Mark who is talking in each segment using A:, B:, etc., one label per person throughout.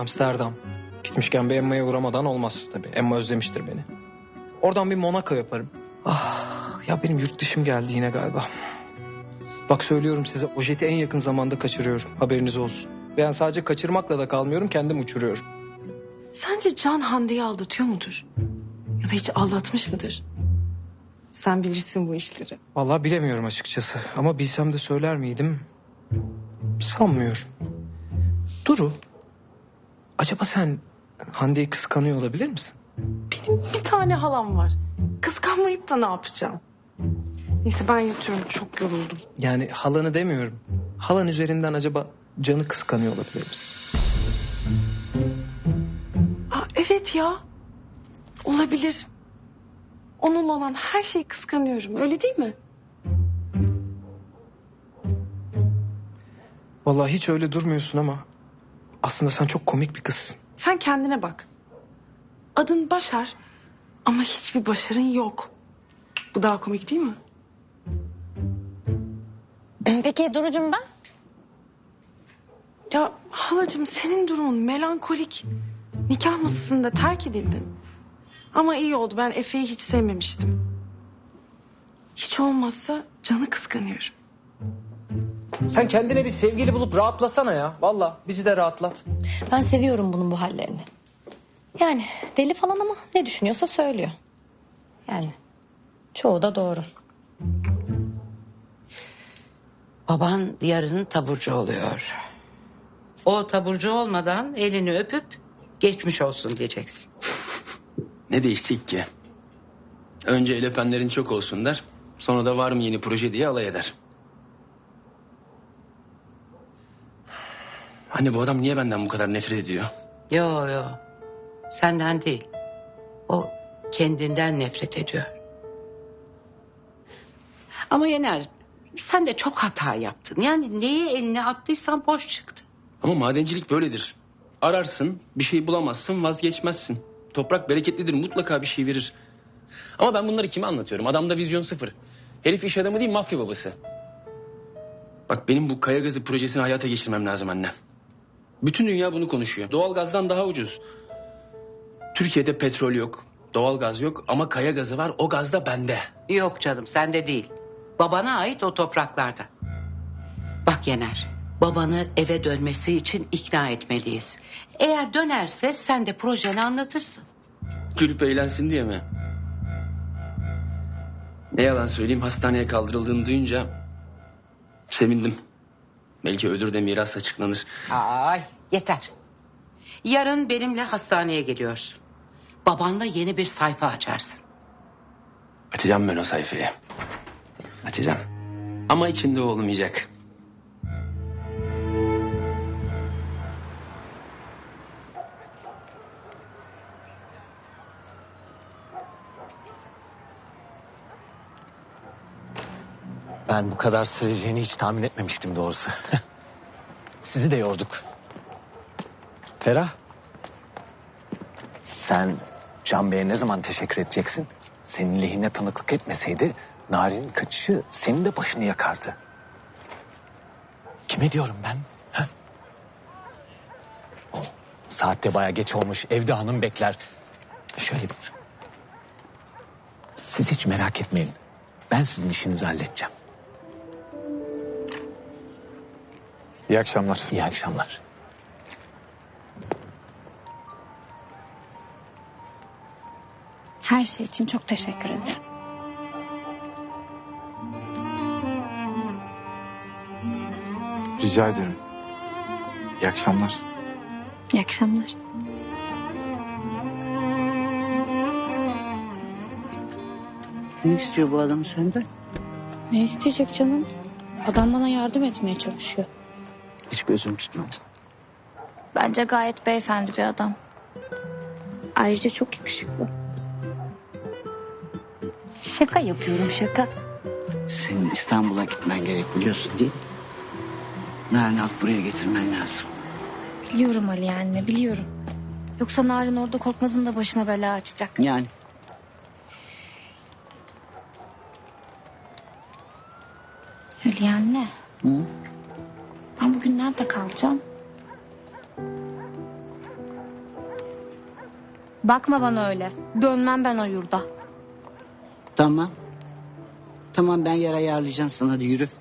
A: Amsterdam. Gitmişken bir Emma'ya uğramadan olmaz tabii. Emma özlemiştir beni. Oradan bir Monaco yaparım. Ah ya, benim yurt dışım geldi yine galiba. Bak söylüyorum size, o jeti en yakın zamanda kaçırıyorum. Haberiniz olsun. Ben sadece kaçırmakla da kalmıyorum, kendim uçuruyorum.
B: Sence Can Hande'yi aldatıyor mudur? Ya da hiç aldatmış mıdır? Sen bilirsin bu işleri.
A: Vallahi bilemiyorum açıkçası. Ama bilsem de söyler miydim? Sanmıyorum. Duru, acaba sen Hande'yi kıskanıyor olabilir misin?
B: Benim bir tane halam var. Kıskanmayıp da ne yapacağım? Neyse ben yatıyorum, çok yoruldum.
A: Yani halanı demiyorum. Halan üzerinden acaba Can'ı kıskanıyor olabilir misin?
B: Aa, evet ya. Olabilir. Onun olan her şeyi kıskanıyorum, öyle değil mi?
A: Vallahi hiç öyle durmuyorsun ama aslında sen çok komik bir kızsın.
B: Sen kendine bak. Adın Başar ama hiçbir başarın yok. Bu daha komik değil mi?
C: Peki Duru'cum ben?
B: Ya halacığım, senin durumun melankolik. Nikah masasında terk edildin. Ama iyi oldu, ben Efe'yi hiç sevmemiştim. Hiç olmazsa Can'ı kıskanıyorum.
A: Sen kendine bir sevgili bulup rahatlasana ya. Vallahi bizi de rahatlat.
C: Ben seviyorum bunun bu hallerini. Yani deli falan ama ne düşünüyorsa söylüyor. Yani çoğu da doğru.
D: Baban yarın taburcu oluyor. O taburcu olmadan elini öpüp geçmiş olsun diyeceksin.
E: Ne değişecek ki? Önce el öpenlerin çok olsun der. Sonra da var mı yeni proje diye alay eder. Anne, bu adam niye benden bu kadar nefret ediyor?
D: Yo. Senden değil. O kendinden nefret ediyor. Ama Yener, sen de çok hata yaptın. Yani neye eline attıysan boş çıktı.
E: Ama madencilik böyledir. Ararsın, bir şey bulamazsın, vazgeçmezsin. Toprak bereketlidir, mutlaka bir şey verir. Ama ben bunları kime anlatıyorum? Adamda vizyon sıfır. Herif iş adamı değil, mafya babası. Bak, benim bu kaya gazı projesini hayata geçirmem lazım anne. Bütün dünya bunu konuşuyor. Doğalgazdan daha ucuz. Türkiye'de petrol yok, doğalgaz yok ama kaya gazı var. O gaz da bende.
D: Yok canım, sende değil. Babana ait o topraklarda. Bak Yener, babanı eve dönmesi için ikna etmeliyiz. Eğer dönerse sen de projeni anlatırsın.
E: Gülüp eğlensin diye mi? Ne yalan söyleyeyim, hastaneye kaldırıldığını duyunca sevindim. Belki ölür de miras açıklanır.
D: Ay yeter. Yarın benimle hastaneye geliyorsun. Babanla yeni bir sayfa açarsın.
E: Açacağım ben o sayfayı. Açacağım. Ama içinde o olmayacak.
F: Ben bu kadar süreceğini hiç tahmin etmemiştim doğrusu. Sizi de yorduk. Ferah. Sen Can Bey'e ne zaman teşekkür edeceksin? Senin lehine tanıklık etmeseydi Narin'in kaçışı senin de başını yakardı. Kime diyorum ben? Ha? O, saatte baya geç olmuş. Evde hanım bekler. Şöyle bir... Siz hiç merak etmeyin. Ben sizin işinizi halledeceğim.
G: İyi akşamlar.
F: İyi akşamlar.
H: Her şey için çok teşekkür ederim.
G: Rica ederim. İyi akşamlar.
H: İyi akşamlar.
D: Ne istiyor bu adam senden?
H: Ne isteyecek canım? Adam bana yardım etmeye çalışıyor.
D: Hiç gözüm tutmadı.
H: Bence gayet beyefendi bir adam. Ayrıca çok yakışıklı. Şaka yapıyorum, şaka.
D: Senin İstanbul'a gitmen gerek, biliyorsun değil mi? Narin'i alıp buraya getirmen lazım.
H: Biliyorum Ali anne, biliyorum. Yoksa Narin orada Korkmaz'ın da başına bela açacak.
D: Yani
H: Ali anne.
D: Hı?
H: Ben bugün nerede kalacağım? Bakma bana öyle. Dönmem ben o yurda.
I: Tamam. Tamam, ben yer ayarlayacağım sana, hadi yürü.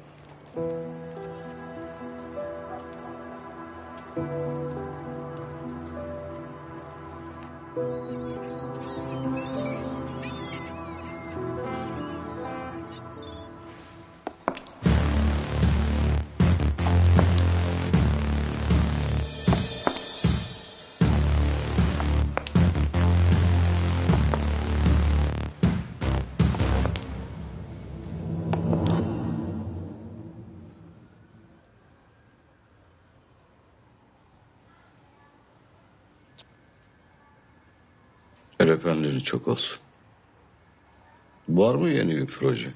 J: El öpenlerin çok olsun. Var mı yeni bir proje?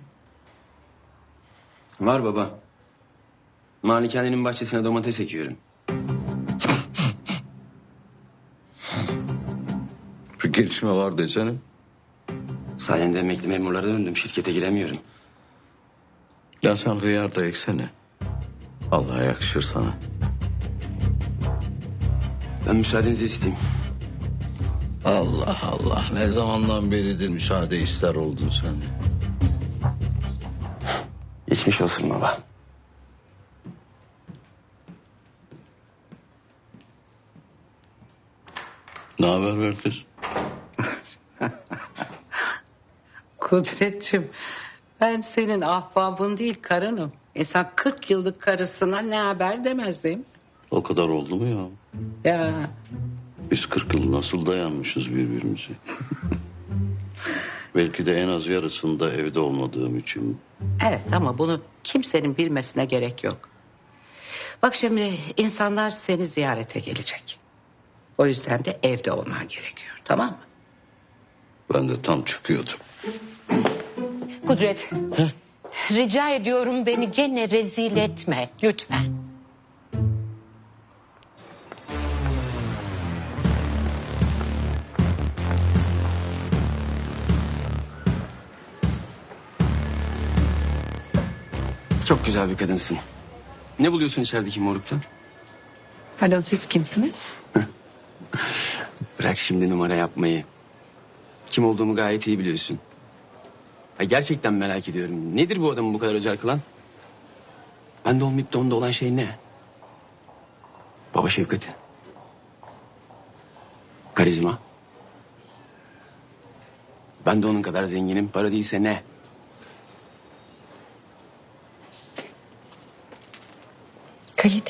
E: Var baba. Malikanenin bahçesine domates ekiyorum.
J: Bir gelişme var desene.
E: Sayende emekli memurlara döndüm. Şirkete giremiyorum.
J: Ya sen hıyar da eksene. Allah'a yakışır sana.
E: Ben müsaadenizi isteyeyim.
J: Allah Allah, ne zamandan beridir müsaade ister oldun sen.
E: Geçmiş olsun baba.
J: Ne haber verdir?
D: Kudretciğim, ben senin ahbabın değil karınım. Sen 40 yıllık karısına ne haber demez değil mi?
J: O kadar oldu mu ya?
D: Ya
J: Biz 40 yıl nasıl dayanmışız birbirimize? Belki de en az yarısında evde olmadığım için.
D: evet, ama bunu kimsenin bilmesine gerek yok. Bak şimdi insanlar seni ziyarete gelecek. O yüzden de evde olman gerekiyor, tamam mı?
J: Ben de tam çıkıyordum.
D: Kudret, rica ediyorum beni gene rezil etme lütfen.
E: Çok güzel bir kadınsın. Ne buluyorsun içerideki morukta?
D: Pardon, siz kimsiniz?
E: Bırak şimdi numara yapmayı. Kim olduğumu gayet iyi biliyorsun. Ha, gerçekten merak ediyorum. Nedir bu adamı bu kadar özel kılan? Bende olmayıp da onda olan şey ne? Baba şefkati. Karizma. Ben de onun kadar zenginim. Para değilse ne?
D: Kalite.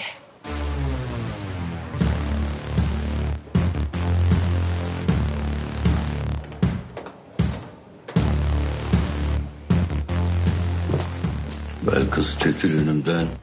J: Belkıs çekil önümden.